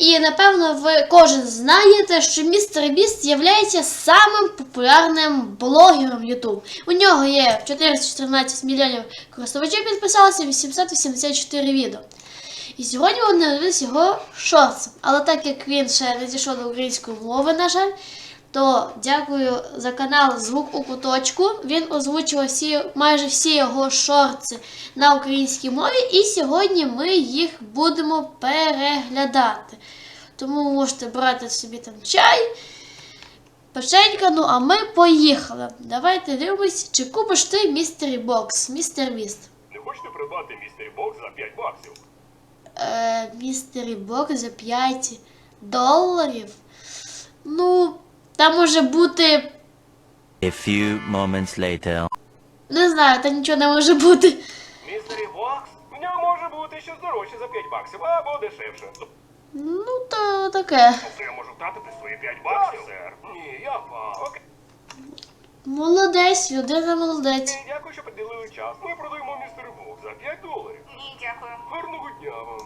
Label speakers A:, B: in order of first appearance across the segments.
A: І, напевно, ви кожен знаєте, що Містер Біст є самим популярним блогером YouTube. У нього є 414 мільйонів користувачів підписалося, 884 відео. І сьогодні вони дивилися його шортс. Але так як він ще не дійшов до української мови, на жаль, то дякую за канал Звук у куточку. Він озвучував майже всі його шортси на українській мові. І сьогодні ми їх будемо переглядати. Тому ви можете брати собі там чай, печенька, ну а ми поїхали. Давайте дивимось, чи купиш ти Містері Бокс, Містер Біст.
B: Не хочете придбати Містері Бокс за 5 баксів?
A: Містері Бокс за 5 доларів? Ну, там може бути...
C: A few moments later.
A: Не знаю, там нічого не може бути.
B: Містері Бокс? В ньому може бути щось дорожче за 5 баксів, або дешевше.
A: Ну, то таке.
B: Це я можу втратити свої 5 баксів, сер. Ні, я вам. Окей.
A: Молодець, людина молодець.
B: Дякую, що приділили час. Ми продаємо Містері Бокс за 5 доларів.
D: Ні, дякую.
B: Гарного дня вам.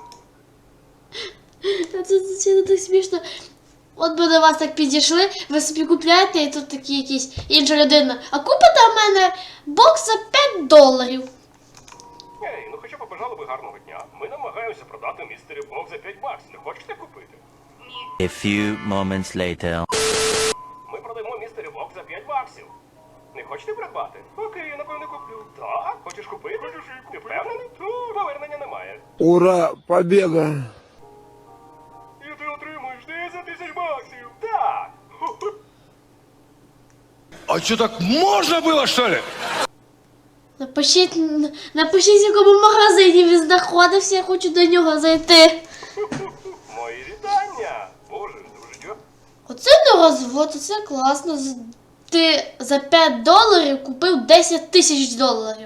A: Це не так смішно. От би до вас так підійшли, ви собі купляєте, і тут такі якісь інша людина. А купите в мене бокс за 5 доларів.
B: Ей, ну хоча побажали би гарного дня. Ми намагаємося продати Містері Бокс за 5 баксів. Не хочете купити?
D: Ні.
C: A few moments later.
B: Ми продаємо Містері Бокс за 5 баксів. Не хочете придбати? Окей, я напевно куплю. Так? Хочеш купити? Ти впевнений? Повернення немає.
E: Ура, победа!
B: І ти отримуєш 10 тисяч баксів. Так.
E: А что, так можно было, что ли?
A: Напишіть, в якому магазині він знаходився, я хочу до нього зайти.
B: Мої вітання. Боже, дуже дякую.
A: Оце не розвод, оце класно. Ти за 5 доларів купив 10 тисяч доларів.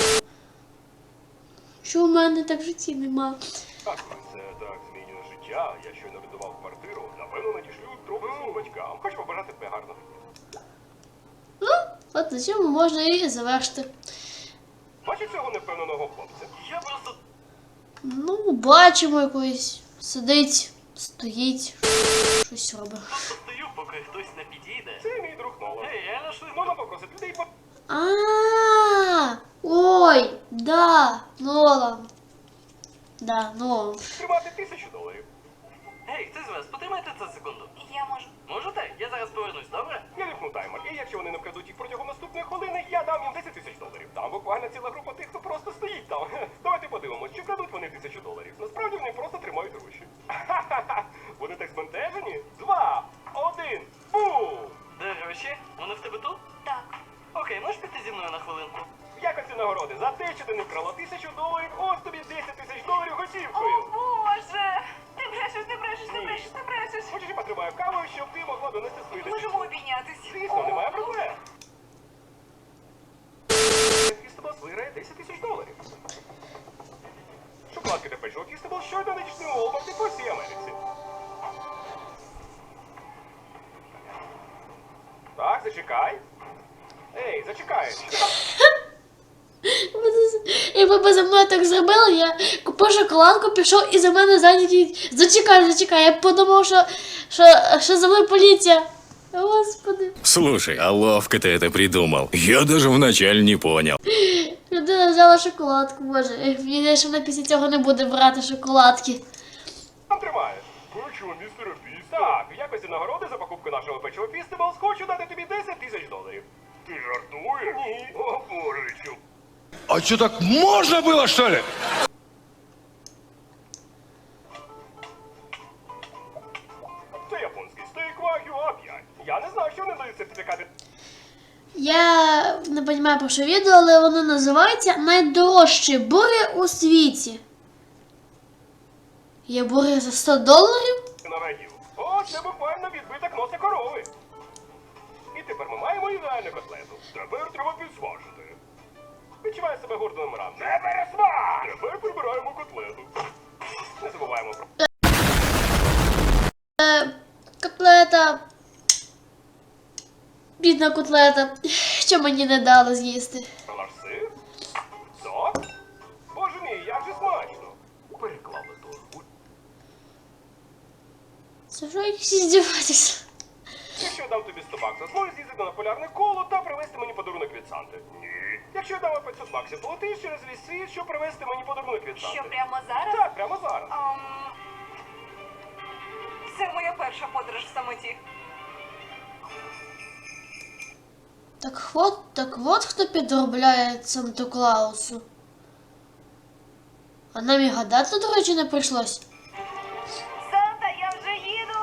A: Що в мене так в житті нема?
B: Так, це так змінює життя. Я щойно віддавав квартиру. Напевно, надішлю трохи своїм батькам. Хочу побажати тебе гарного дня.
A: Ну, от на цьому можна і завершити.
B: Бачиш цього невпевненого хлопця? Я просто...
A: Ну, бачимо якось. Сидить, стоїть, щось робить.
F: Стою, поки хтось не підійде.
B: Це мій друг Нолан.
F: Ей, я нашли.
B: Можна попросити людей
A: Ой, да, Нолан. Да, Нолан.
B: тримати 1000 доларів.
F: Ей, хтось з вас, потримайте це секунду.
D: Я можу.
F: Можете? Я зараз повернусь, добре?
B: Я вімкну таймер, і якщо вони не вкрадуть їх протягом наступної хвилини, я дам їм 10 тисяч доларів. Там буквально ціла група тих, хто просто стоїть там. Давайте подивимось, чи вкрадуть вони 1000 доларів. Насправді вони просто тримають гроші. Ха-ха-ха! Вони так збентежені? 2, 1, бум!
F: Де гроші? Вони в тебе тут?
D: Так.
F: Окей, можеш піти зі мною на хвилинку?
B: В якості нагороди за те, що ти не вкрала 1000 доларів, ось тобі 10 тисяч доларів
D: О,
B: готівкою.
D: Боже! Ти брешеш, ти брешеш, ти брешеш, ти брешеш.
B: Хочеш, я потримаю каву, щоб ти могла донести свої 10
D: Можемо обійнятись.
B: Звісно, немає проблем. Фістебл виграє 10 тисяч доларів. Шоколадки та печиво Фістебл щойно надійшли у Walmart по всій Америці. Так, зачекай. Ей, зачекай.
A: Якби ви за мною так зробили, я купив шоколадку, пішов і за мене зайняті. Зачекай, я подумав, що за мною поліція. Господи.
G: Слушай, а ловко ты это придумал. Я даже вначале не понял.
A: Людина взяла шоколадку, боже. Мені що вона після цього не буде брати шоколадки.
B: Там тримаєш. Печиво містера Фіст. Так, в якості нагороди за покупку нашого печива Фістеблс хочу дати тобі 10 тисяч доларів. Ти жартуєш? Ні. О, боже, що?
E: А что, так можно было, что ли?
B: Це японський стейк Wagyu A5. Я не знав, що вони дають сертифікати.
A: Я не розумію про що відео, але воно називається найдорожчі бургер у світі. Є бургер за 100 доларів?
B: На вагів. О, це буквально відбиток носа корови. І тепер ми маємо ідеальну котлету. Тепер треба підсмажити. Відчуваю себе гордим рам. Не пересмаж! Тепер прибираємо котлету. Не забуваємо про...
A: Котлета. Бідна котлета. Що мені не дали з'їсти?
B: Наш сир? Сок? Боже мій, як же смачно! Переклали торгу.
A: Це що якісь іздіватися?
B: Якщо я дам тобі 100 баксів, зможеш з'їздити на полярне коло та привезти мені подарунок від Санти? Ні. Якщо я дам вам 500 баксів, полетиш через весь світ, щоб привезти мені подарунок від Санти?
D: Що прямо зараз?
B: Так, прямо зараз.
D: Це моя перша подорож в самоті.
A: Так от хто підробляє Санту Клаусу. А нам і гадати, до речі, не прийшлось.
D: Санта, я вже їду!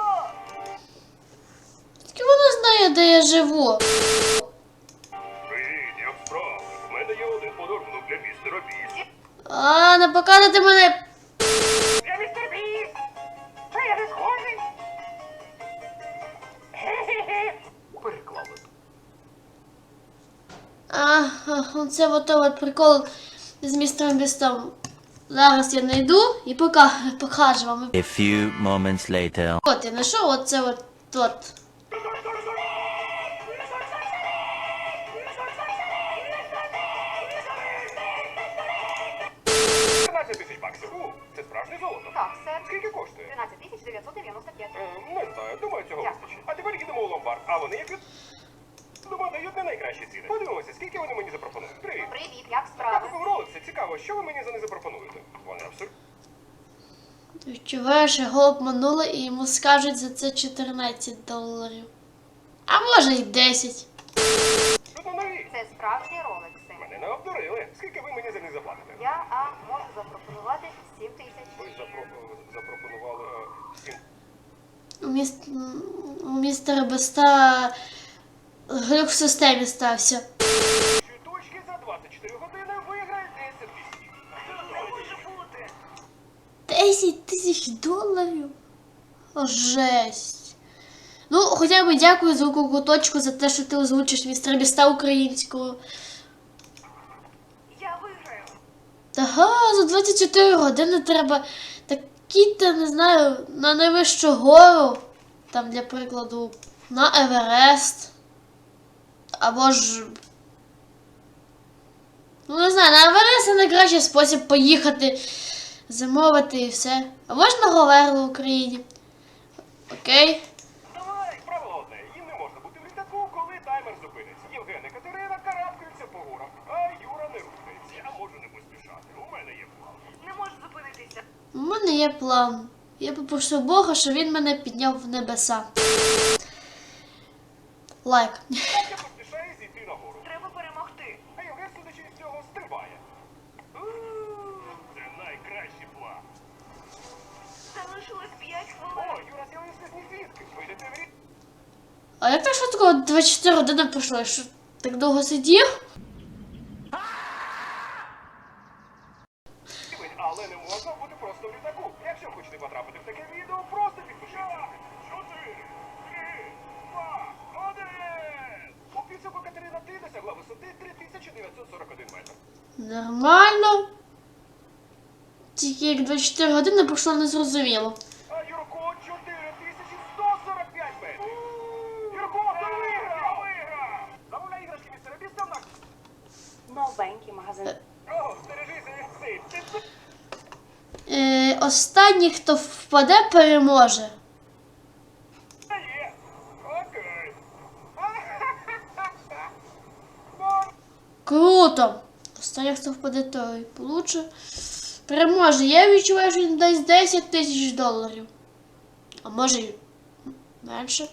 A: Тільки вона знає, де я живу.
B: Привіт, як справи? У мене є один подарунок для містера Біст.
A: А, не покажете мене.
B: Я містер Біст! Це я не схожий? Переклали.
A: Це от прикол з містером Бістом. Зараз я знайду і покажу вам.
C: A few moments later.
A: От, я знайшов оце от.
B: 13 тисяч баксів. Це справжнє золото.
D: Так, сер.
B: Скільки коштує?
D: 13 995.
B: Не знаю, думаю, цього вистачить. А тепер їдемо у ломбард. А вони як від... Думаю, дають не найкращі ціни. Подивимося, скільки вони мені запропонують. Привіт.
D: Привіт, як
B: Я
D: справи?
B: купив роликси. Цікаво, що ви мені за них запропонуєте? Вони абсолютно...
A: Відчуваєш, його обманули і йому скажуть за це $14. А може й 10.
B: Тут нові.
D: Це справжні ролекси.
B: Мене не обдурили. Скільки ви мені за них заплатите?
D: Я можу запропонувати 7 тисяч.
B: Ви запропонували 7.
A: У містера Беста глюк в системі стався.
B: Точки за 24 години виграє 10 тисяч. Це може бути.
A: 10 тисяч доларів? О, жесть. Ну, хоча б дякую за куточку за те, що ти озвучиш містера Біста українською.
D: Я виграю.
A: Ага, за 24 години треба такі-то, не знаю, на найвищу гору. Там, для прикладу, на Еверест. Або ж... Ну, не знаю, на Еверест це найкращий спосіб поїхати, замовити і все. Або ж на Говерло в Україні. Окей.
B: Давай, правило одне. Їм не можна бути в літаку, коли таймер зупиниться. Євген і Катерина карабкаються по горах, а Юра не рухається. Я можу не поспішати. У мене є план.
D: Не можу зупинитися.
A: У мене є план. Я попрошу Бога, щоб він мене підняв в небеса. Лайк.
B: Так я поспішаю зійти на гору.
D: Треба перемогти.
B: А Євген, судячи з цього, стрибає. Це найкращий план.
D: Залишилось 5
B: О,
D: хвилин.
B: Юра з'явився з нізвідки. Вийдете в рік.
A: А як так швидко 24 години пройшло? Я що, так довго сидів?
B: Але не можна бути просто в літаку. Якщо хочете потрапити в таке відео, просто підпишіться. 4, 3, 2, 1. У підсумку Катерина ти досягла висоти 3941 метр.
A: Нормально. Тільки як 24 години пройшло незрозуміло.
B: А Юрко 4145 метрів. Юрко, ти виграв! Виграв! Замовляй іграшки містера Біста на...
D: Новенький магазин.
B: О, стережися від цих.
A: Останній, хто впаде, переможе.
B: Є. Окей.
A: Круто! Останній, хто впаде, той получше. Переможе. Я відчуваю, що він дасть 10 тисяч доларів. А може й менше.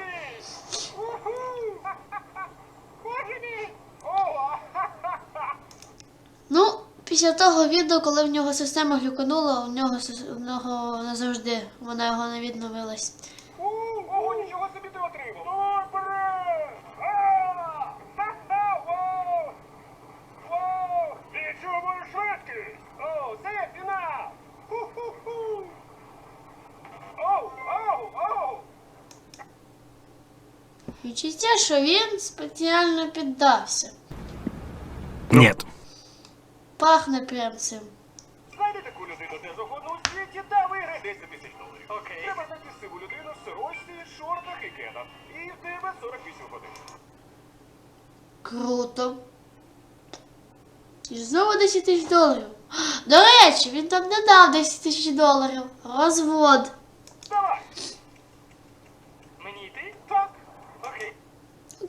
A: Ну, після того відео, коли в нього система глюканула, у нього назавжди вона його не відновилась.
B: Ого, нічого собі ти отримав. Давай, вперед! Вау! Вау! Відчуваю швидкість! О, це фінал! Ху-ху-ху! Оу, оу, оу!
A: Відчуття, що він спеціально піддався.
G: Нет.
A: Пахне прям цим.
B: Знайди таку людину де завгодно у світі та виграй 10 тисяч доларів.
F: Окей.
B: Треба знайти сиву людину в сорочці, шортах і кедах. І в тебе 48 годин.
A: Круто. І знову 10 тисяч доларів. До речі, він там не дав 10 тисяч доларів. Розвод.
B: Давай!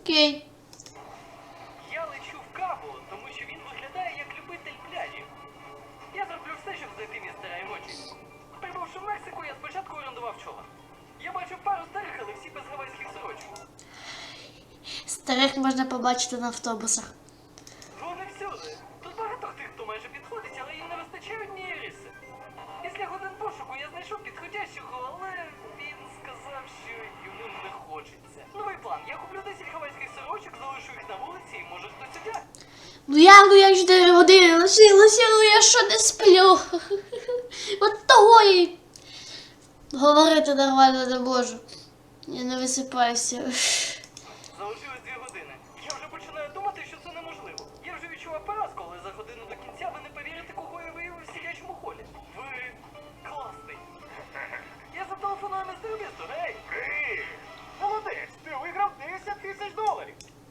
A: Окей.
F: Я лечу в Кабо, тому що він виглядає як любитель пляжів. Я зроблю все, щоб знайти містера Емоджі. Прибувши в Мексику, я спочатку орендував човен. Я бачив пару старих, але всі без гавайських сорочок.
A: Старих можна побачити на автобусах.
F: Вони всюди. Тут багато тих, хто майже підходить, але їм не вистачає однієї риси. Після годин пошуку я знайшов підходящого, але він сказав, що йому не хочеться. Новий план. Я куплю 10 гавайських сорочок, залишу їх на вулиці і може хтось одягне.
A: Ну як 4 години лишилося, ну я що не сплю. От того і говорити нормально не можу. Я не висипаюся.
F: Залишилось 2 години. Я вже починаю думати, що це неможливо. Я вже відчував поразку, але за годину до кінця ви не повірите, кого я виявив в сидячому холі. Ви класний. Я зателефоную містеру Бісту, гей!
B: Привіт! Молодець, ти виграв 10 тисяч доларів.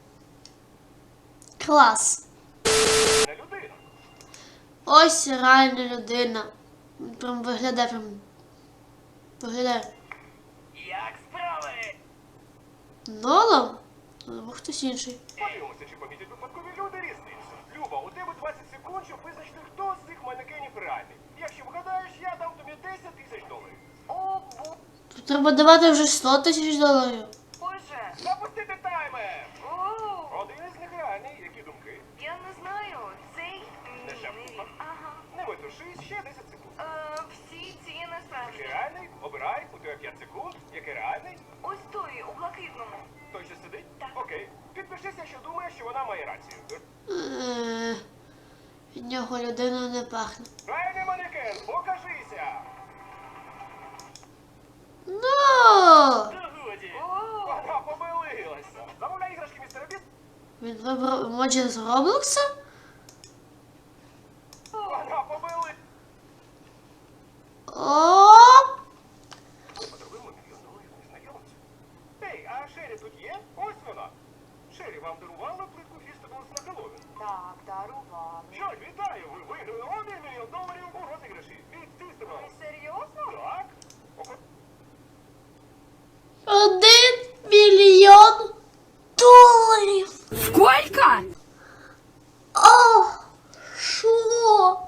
A: Клас.
B: Не людина.
A: Ось реальна людина. Він прям виглядає прям. Виглядає.
F: Як справи?
A: Нолан? Або хтось інший.
B: Подивимося, чи помітять випадкові люди різницю. Люба, у тебе 20 секунд, щоб визначити, хто з цих манекенів реальний. Якщо вгадаєш, я дам тобі 10 тисяч доларів.
D: О,
A: Тут треба давати вже 100 тисяч доларів.
D: Боже.
B: Запустити таймер!
D: О,
B: Один із них реальний, які думки?
D: я не знаю. Цей
B: Не
D: ні,
B: ще.
D: не він. Ага.
B: Не метушись, ще 10 секунд.
D: Всі ці не
B: Який
D: справжні.
B: реальний? Обирай, у тебе 5 секунд. Який реальний?
D: Ось той, у блакитному.
B: Той, що сидить?
D: Так.
B: Окей. Підпишися, що думаєш, що вона має рацію.
A: Від нього людина не пахне.
B: Реальний манекен, покажися!
A: Ну!
F: Та годі.
D: О,
B: Вона помилилася. Замовляй іграшки, містера Біст.
A: Він вибрав емоджі з Роблокса?
B: Вона помилилася.
A: О!
B: Подаруємо $1 мільйон незнайомцю. Ей, а Шері тут є? Ось вона. Шері, вам дарувала плитку фістеблс на Хеллоуін?
D: так, дарували.
B: Що ж, вітаю, ви виграли $1 мільйон у розіграші від фістеблс.
D: Ви серйозно?
B: Так.
A: 1 мільйон доларів!
D: Сколько?
A: О! Що?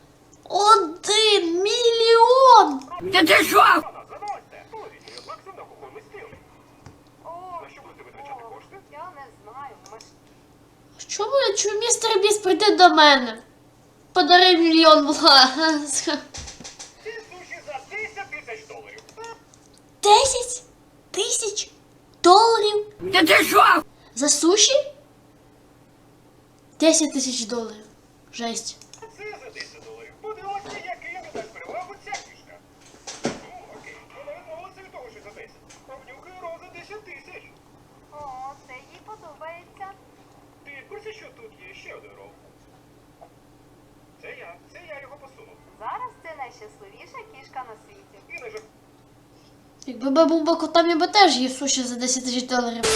A: 1 мільйон!
D: Та ти що?
B: Вона, заносьте. Половіть мільйон баксів на кухонний стіл.
D: О,
B: На що будете витрачати кошти?
D: я не знаю.
A: Чому містер Біст прийде до мене? Подари $1 мільйон, будь ласка.
B: Ці суші за 10 тисяч доларів.
A: 10 тисяч доларів?
D: Та ти що?
A: За суші? 10 тисяч доларів. Жесть.
B: Це за 10 доларів. Подивимося, який не дасть перевагу ця фішка. Окей. Вона відмовилася від того, що за 10. Обнюхай роза 10 тисяч.
D: О, це їй подобається.
B: Ти в курсі, що тут є ще один рол? Це я його посунув.
D: Зараз це найщасливіша кішка на світі.
B: І не жах.
A: Якби би був би котом, я би теж їв суші за 10 тисяч доларів.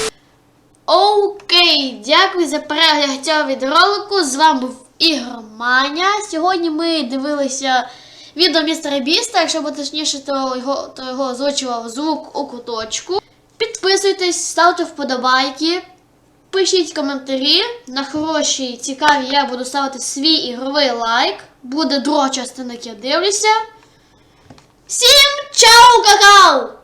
A: Окей, дякую за перегляд цього відеоролику. З вами був Ігор Маня. Сьогодні ми дивилися відео містера Біста. Якщо бути точніше, то його озвучував звук у куточку. Підписуйтесь, ставте вподобайки, пишіть коментарі. На хороші, цікаві я буду ставити свій ігровий лайк. Буде друга частина, як я дивлюся. Всім чао, какао!